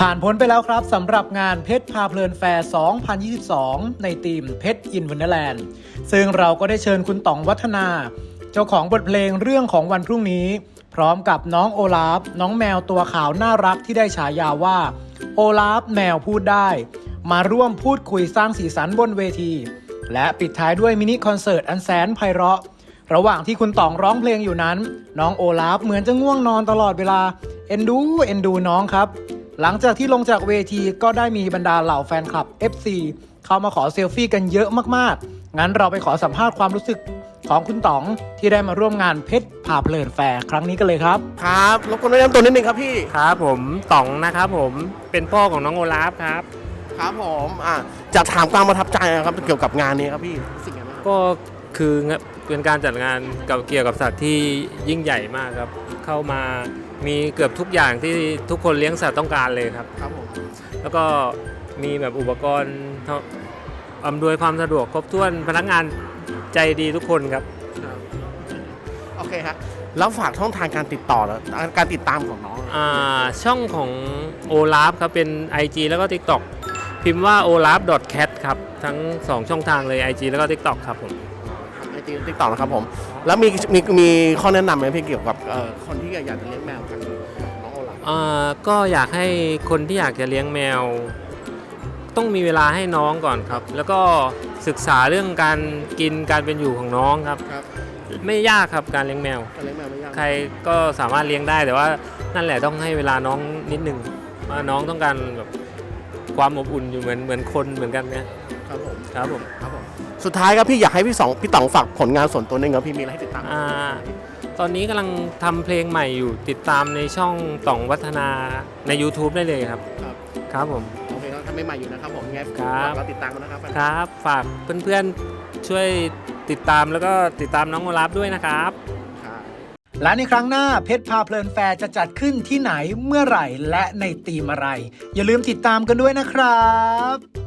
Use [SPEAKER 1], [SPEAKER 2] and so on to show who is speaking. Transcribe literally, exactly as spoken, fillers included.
[SPEAKER 1] ผ่านพ้นไปแล้วครับสำหรับงานเพชรพาเพลินแฟร์ สองพันยี่สิบสอง ในทีมเพชรอินวันเดอร์แลนด์ซึ่งเราก็ได้เชิญคุณต๋องวัฒนาเจ้าของบทเพลงเรื่องของวันพรุ่งนี้พร้อมกับน้องโอลาฟน้องแมวตัวขาวน่ารักที่ได้ฉายาว่าโอลาฟแมวพูดได้มาร่วมพูดคุยสร้างสีสันบนเวทีและปิดท้ายด้วยมินิคอนเสิร์ตอันแสนไพเราะระหว่างที่คุณต๋องร้องเพลงอยู่นั้นน้องโอลาฟเหมือนจะง่วงนอนตลอดเวลาเอ็นดูเอ็นดูน้องครับหลังจากที่ลงจากเวทีก็ได้มีบรรดาเหล่าแฟนคลับ เอฟ ซี เข้ามาขอเซลฟี่กันเยอะมากๆงั้นเราไปขอสัมภาษณ์ความรู้สึกของคุณต๋องที่ได้มาร่วมงานเพชรพาเพลินแฟร์ครั้งนี้กันเลยครับ
[SPEAKER 2] ครับรบกวนแนะนำตัวนิดนึงครับพี่
[SPEAKER 3] ครับผมต๋องนะครับผมเป็นพ่อของน้องโอลาฟครับ
[SPEAKER 2] ครับผมอ่ะจะถามความประทับใจนะครับเกี่ยวกับงานนี้ครับพี่สิ่งไงบ้าง
[SPEAKER 3] ก็คือเป็นการจัดงานเกี่ยวกับสัตว์ที่ยิ่งใหญ่มากครับเข้ามามีเกือบทุกอย่างที่ทุกคนเลี้ยงสัตว์ต้องการเลยครับ
[SPEAKER 2] ครับผม
[SPEAKER 3] แล้วก็มีแบบอุปกรณ์อำนวยความสะดวกครบถ้วนพนักงานใจดีทุกคนครับ
[SPEAKER 2] โอเคครับแล้วฝากช่องทางการติดต่อแล้วการติดตามของน้อง
[SPEAKER 3] อ่าช่องของโอลาฟครับเป็น ไอ จี แล้วก็ TikTok พิมพ์ว่า โอลาฟ ดอท แคท ครับทั้งสองช่องทางเลย ไอ จี แล้วก็ TikTok ครับผม
[SPEAKER 2] ไอจีติ๊กต็อกนะครับผมแล้วมีมีมีข้อแนะนำไหมพี่เกี่ยวกับคนที่อยากจะเลี้ยงแมวกันน้องโอลาฟ
[SPEAKER 3] อ่าก็อยากให้คนที่อยากจะเลี้ยงแมวต้องมีเวลาให้น้องก่อนครับแล้วก็ศึกษาเรื่องการกินการเป็นอยู่ของน้องครับไม่ยากครับการเลี้ยงแมว
[SPEAKER 2] การเลี้ยงแมวไม่ยาก
[SPEAKER 3] ใครก็สามารถเลี้ยงได้แต่ว่านั่นแหละต้องให้เวลาน้องนิดนึงว่าน้องต้องการแบบความอบอุ่นอยู่เหมือนเหมือนคนเหมือนกันเนี่ย
[SPEAKER 2] ครับผม
[SPEAKER 3] ครับผม
[SPEAKER 2] ครับผมสุดท้ายครับพี่อยากให้พี่สองพี่ต๋องฝากผลงานส่วนตัวนึงครับพี่มีอะไรให้ติดตาม
[SPEAKER 3] อ่าตอนนี้กำลังทำเพลงใหม่อยู่ติดตามในช่องต๋องวัฒนาใน YouTube ได้เลยครับ
[SPEAKER 2] ครับ
[SPEAKER 3] ครับผม
[SPEAKER 2] โอเคทำใหม่อยู่นะครับผมไงเราติดตามกันนะครับ
[SPEAKER 3] ครับฝากเพื่อนๆช่วยติดตามแล้วก็ติดตามน้องโอลาฟด้วยนะครับ
[SPEAKER 1] และในครั้งหน้าเพชรพาเพลินแฟร์จะจัดขึ้นที่ไหนเมื่อไหร่และในธีมอะไรอย่าลืมติดตามกันด้วยนะครับ